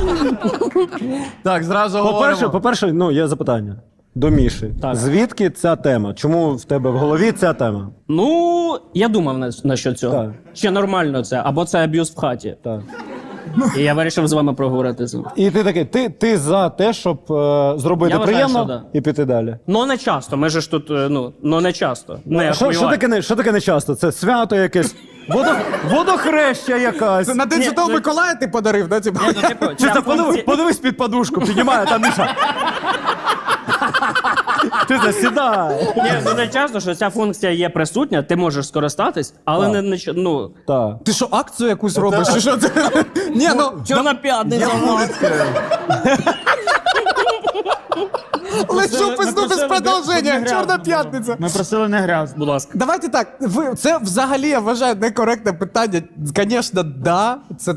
Так, зразу говоримо. По-перше, ну, є запитання до Міші. Так. Звідки ця тема? Чому в тебе в голові ця тема? Ну, я думав на що цього. Так. Чи нормально це, або це аб'юз в хаті. Так. І я вирішив з вами проговорити це. І ти такий, ти за те, щоб зробити Я вважаю, приємно що да. і піти далі. Ну, не часто, ми ж тут, ну не часто. Не Що таке не часто? Це свято якесь? Водохреща якась. Це на День Святого Миколая ти подарив, да? Типу? Чи це подивись під подушку, піднімає, там Міша. Ти засідай. Ні, ну не часто, що ця функція є присутня, ти можеш скористатись, але не ну... Так. Ти що, акцію якусь робиш? Чи що це? Ні, ну... Чорна п'ятниця. Лечу пизду без продовження. Чорна п'ятниця. Ми просили не грязно. Будь ласка. Давайте так, це взагалі, я вважаю, некоректне питання. Звісно, да, це